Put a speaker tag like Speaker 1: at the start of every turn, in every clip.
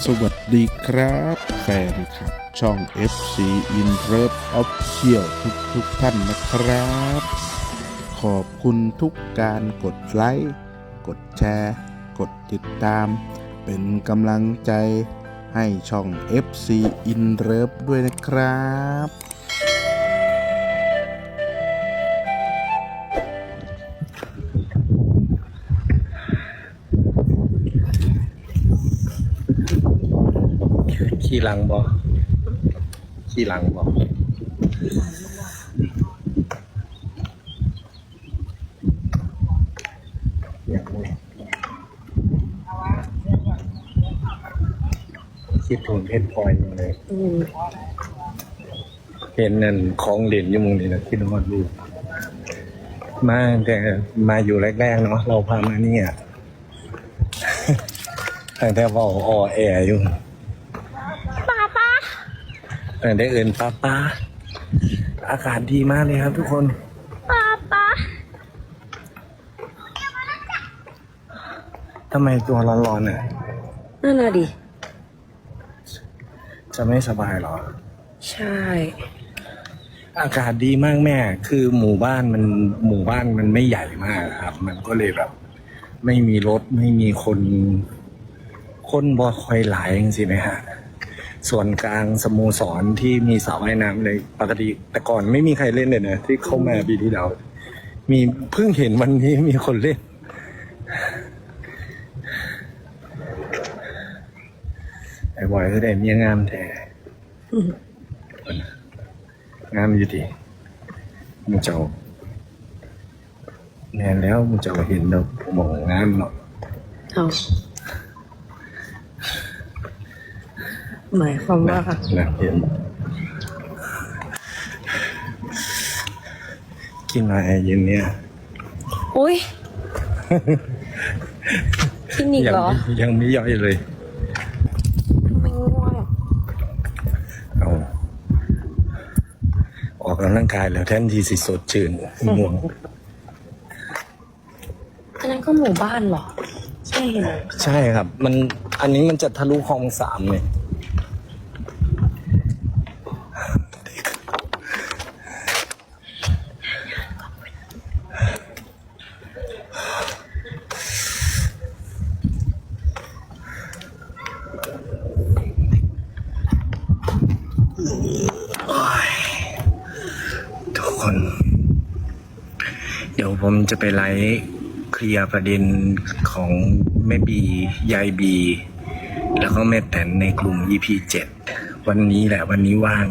Speaker 1: สวัสดีครับแฟนคลับช่อง FC In Love Official ทุกท่านนะครับ ขอบคุณทุกการกดไลค์กดแชร์กดติดตาม เป็นกำลังใจให้ช่อง FC In Love ด้วยนะครับ
Speaker 2: ขี่หลังบอขี่หลังบอคิดถึงเพชรพลอยมาเลยเห็นนั่นของเหรียญอยู่มุมนี้นะคิดว่าดูมาแต่มาอยู่แรกๆเนาะเราพามาเนี่ยแต่ว่าอ่อแออยู่ได้เอินป้าอากาศดีมากเลยครับทุกคนป้าทำไมตัวร้อนๆน่ะ
Speaker 3: นั่นน่ะดิ
Speaker 2: จะไม่สบายเหรอ
Speaker 3: ใช่
Speaker 2: อากาศดีมากแม่คือหมู่บ้านมันไม่ใหญ่มากครับมันก็เลยแบบไม่มีรถไม่มีคนบ่คอยหลายจริงๆไหมฮะส่วนกลางสโมสรที่มีสระว่ายน้ำเลยปกติแต่ก่อนไม่มีใครเล่นเลยนะที่เข้ามาปีที่แล้วมีเพิ่งเห็นวันนี้มีคนเล่นไอ้บอยก็ได้เมียงามแท้งามอยู่ดีมึงเจ้าแน่แล้วมึงเจ้าเห็นแล้วผมบอกงามเนาะ
Speaker 3: เอาหมายความว่าค่ะ
Speaker 2: นะเห็นกินอะไรเย็นเนี่ย
Speaker 3: โอ้ยกินอีกเหรอ
Speaker 2: ยังไม่ย่อยเลย
Speaker 3: ไม่ง่วง
Speaker 2: เอาออกกำลังกายแล้วแทนที่สิสดชื่นง่วง
Speaker 3: อันนั้นก็หมู่บ้านเหรอใช่ไหม
Speaker 2: ใช่ครับอันนี้มันจะทะลุคลอง3เลยทุกคนเดี๋ยวผมจะไปไลฟ์เคลียร์ประเด็นของแม่บียายบีแล้วก็แม่แตนในกลุ่ม EP7 วันนี้แหละวันนี้ว่าง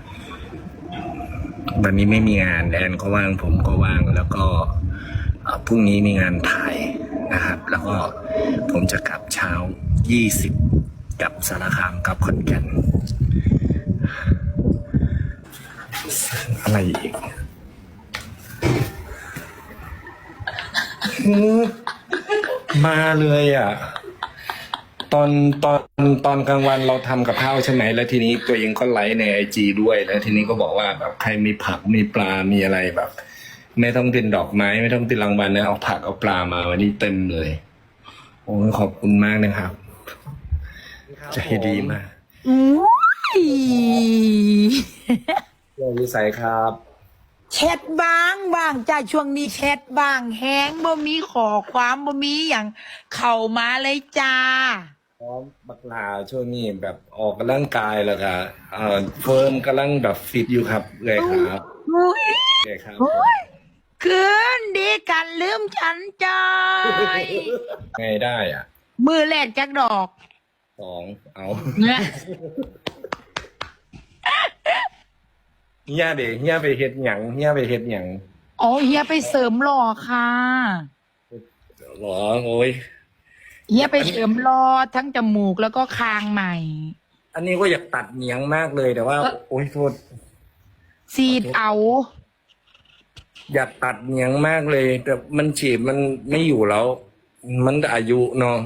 Speaker 2: วันนี้ไม่มีงานแอนก็ว่างผมก็ว่างแล้วก็พรุ่งนี้มีงานถ่ายนะครับแล้วก็ผมจะกลับเช้า20กับสารคามกับขอนแก่นอะไรอีกมาเลยอ่ะตอนกลางวันเราทำกับข้าวใช่ไหมแล้วทีนี้ตัวเองก็ไลฟ์ใน IG ด้วยแล้วทีนี้ก็บอกว่าแบบใครมีผักมีปลามีอะไรแบบไม่ต้องเป็นดอกไม้ไม่ต้องเป็นรางวัลนะเอาผักเอาปลามาวันนี้เต็มเลยโอ้ขอบคุณมากนะครับใจดีมากเราวิสัยครับ
Speaker 4: แชทบ้างจ้าช่วงนี้แชทบ้างแฮงบ่มีขอความบ่มีอย่างเข้ามาเลยจ้า
Speaker 2: พร้อมบักลาช่วงนี้แบบออกกำลังกายแล้วก็เฟิร์มกำลังแบบฟิตอยู่ครับเลยครับเลยครับ
Speaker 4: คืนดีกันลืมฉันใจ
Speaker 2: ไงได้อ่ะ
Speaker 4: มือแรกจักดอก
Speaker 2: 2เอา
Speaker 4: เนี่ย
Speaker 2: เฮียไปเฮ็ดหยัง
Speaker 4: อ๋อเฮียไปเสริมหล่อค่ะ
Speaker 2: หรอโอ้ย
Speaker 4: เฮียไปเสริมหล่อทั้งจมูกแล้วก็คางใหม่
Speaker 2: อันนี้ก็อยากตัดเหนียงมากเลยแต่ว่าโอ้ยโทษ
Speaker 4: ซีดเอา
Speaker 2: อยากตัดเหนียงมากเลยแต่มันฉีดมันไม่อยู่แล้วมันอายุเนาะ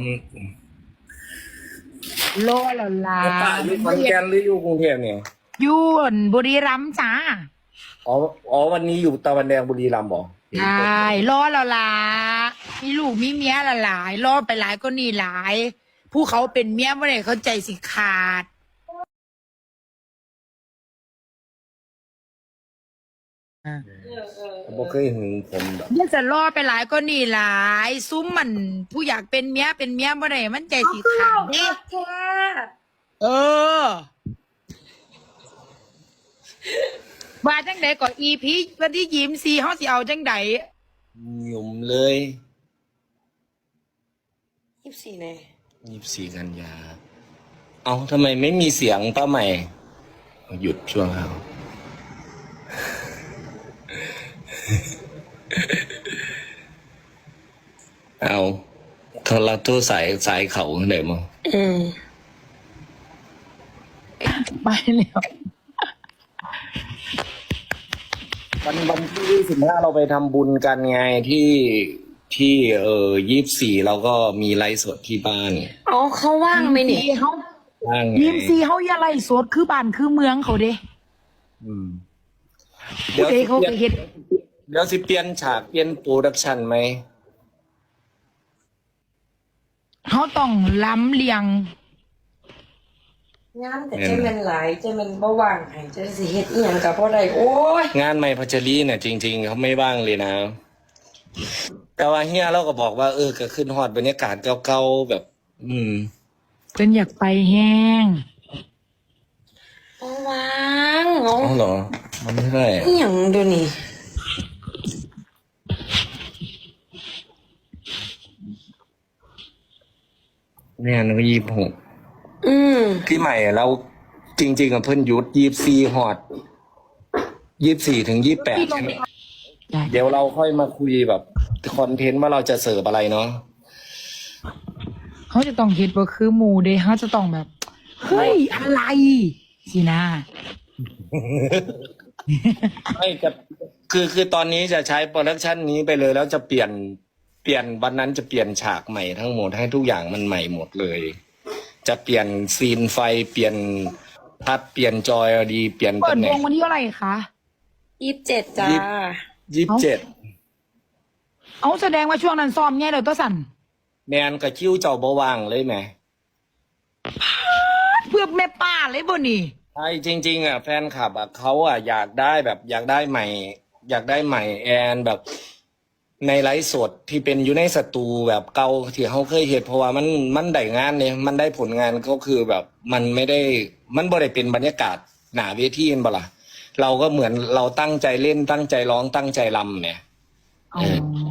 Speaker 4: โลละลา
Speaker 2: อยู่ขอนแก่นหรืออยู่กรุงเทพเนี่ย
Speaker 4: อยู่บุรีรัมย์จ้า
Speaker 2: อ๋อวันนี้อยู่ตะวันแดงบุรีรัมย์บ่
Speaker 4: ใช่รอแล้วล่ะมีลูกมีเมียละหลายรอไปหลายก็นี่หลายผู้เขาเป็นเมียบ่ได้เขาใจสิขาด
Speaker 2: บ่เคยหึงผมแบบ
Speaker 4: เดี๋ยวจะรอไปหลายก็นี่หลายซุ้มมันผู้อยากเป็นเมียบ่ได้มันใจสิขาดเด้เออว่าจังใดก็อีพีวันที่ยิ้มซีเฮาสิเอาจังใด
Speaker 2: หยุ่มเลย
Speaker 3: 24ไง
Speaker 2: 24 กันยา เอาทำไมไม่มีเสียงป้าใหม่ หยุดช่วงเขาเอาโทรตู้สายเขาไหนมั้ง
Speaker 4: ไปแล้ว
Speaker 2: วันที่25เราไปทำบุญกันไงที่24เราก็มีไลฟ์สดที่บ้าน
Speaker 3: อ๋อเขาว่างไหมเนี่ย
Speaker 4: เฮา
Speaker 2: ว่างไง
Speaker 4: ยิ้มซีเฮาอย่าไล่สดคือบ้านคือเมืองเขาเด้
Speaker 2: อืม
Speaker 4: ผู้ใดเขาก็เฮ็ด
Speaker 2: เดี๋ยวสิเปลี่ยนฉากเปลี่ยนโปรดักชันไหม
Speaker 4: เฮาต้องล้ำเลียง
Speaker 3: งานแต่เจมันหลายเจมันบ่ว่างให้เจสิเฮ็ดอีหยังกับบ่ได้โอ้ย
Speaker 2: งานใหม่พัชรีเนี่ยจริง ๆเขาไม่ว่างเลยนะ แต่ว่าเฮียเราก็บอกว่าก็ขึ้นฮอดบรรยากาศเก่าๆแบบ
Speaker 4: เพิ่นอยากไปแห้ง
Speaker 3: บ่ว่างเอา
Speaker 2: อ๋อเหรอ มันไม่ได้
Speaker 3: อีหยังเดี๋ยวนี้
Speaker 2: เนี่ยนึก26พี่ใหม่เราจริงๆกับเพิ่นหยุด24ฮอด24 ถึง 28ใช่ไหม
Speaker 4: ได้
Speaker 2: เดี๋ยวเราค่อยมาคุยแบบคอนเทนต์ว่าเราจะเสิร์ฟอะไรเนาะ
Speaker 4: เขาจะต้องเฮ็ดบ่คือหมู่เด้เขาจะต้องแบบ เฮ้ย อะไรสินะ
Speaker 2: ไม่จะคือตอนนี้จะใช้โปรดักชันนี้ไปเลยแล้วจะเปลี่ยนวันนั้นจะเปลี่ยนฉากใหม่ทั้งหมดให้ทุกอย่างมันใหม่หมดเลย จะเปลี่ยนซีนไฟเปลี่ยนพัดเปลี่ยนจอยดีเปลี่ยน
Speaker 4: เปิด
Speaker 2: ตำแห
Speaker 4: ว
Speaker 2: น่ง
Speaker 4: งวันที่เท่าไหร่คะ
Speaker 3: 27จ้า
Speaker 2: 27
Speaker 4: เอาแสดงว่าช่วงนั้นซ้อมแง่เดี๋ยวตัวสั่น
Speaker 2: แมนกับคิ้วเจ้าบว่างเลยไหม
Speaker 4: เพื่อแม่ป้าเลยบ่นี่
Speaker 2: ใช่จริง ๆอ่ะแฟนคลับอ่ะเขาอ่ะอยากได้แบบอยากได้ใหม่ อยากได้ใหม่แอนแบบในไลฟ์สดที่เป็นอยู่ในสตูแบบเก่าที่เขาเคยเห็นเพราะว่ามันได้งานเนี่ยมันได้ผลงานก็คือแบบมันไม่ได้มันบ่ได้เป็นบรรยากาศหนาเวทีนบ่ล่ะเราก็เหมือนเราตั้งใจเล่นตั้งใจร้องตั้งใจรำเนี่ย
Speaker 4: อ๋อ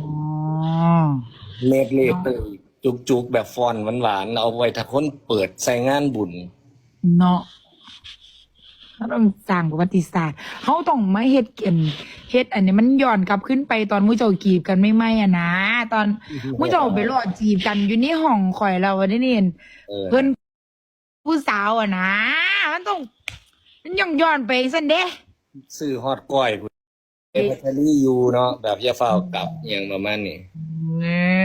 Speaker 2: เล็ดเล็ดจุกแบบฟอนหวานๆเอาไว้ถ้าคนเปิดใส่งานบุญ
Speaker 4: เนาะเขาต้องสร้างประวัติศาสตร์เขาต้องมาเฮ็ดเฮ็ดอันนี้มันย้อนกลับขึ้นไปตอนมุ้เจ้าจีบกันไม่อะนะ ตอนมุ้เจ้าไปรอจีบกันอยู่ในห้องข่อยเราได้นี่ เพิ่นผู้สาวอะนะมันต้องมันย้อนไปซั่นเด้
Speaker 2: ซื้อฮอดก้อยพุ่นพัชรีอยู่เนาะแบบอย่าเฝ้ากลับอหย่างประมาณนี้
Speaker 4: เอ้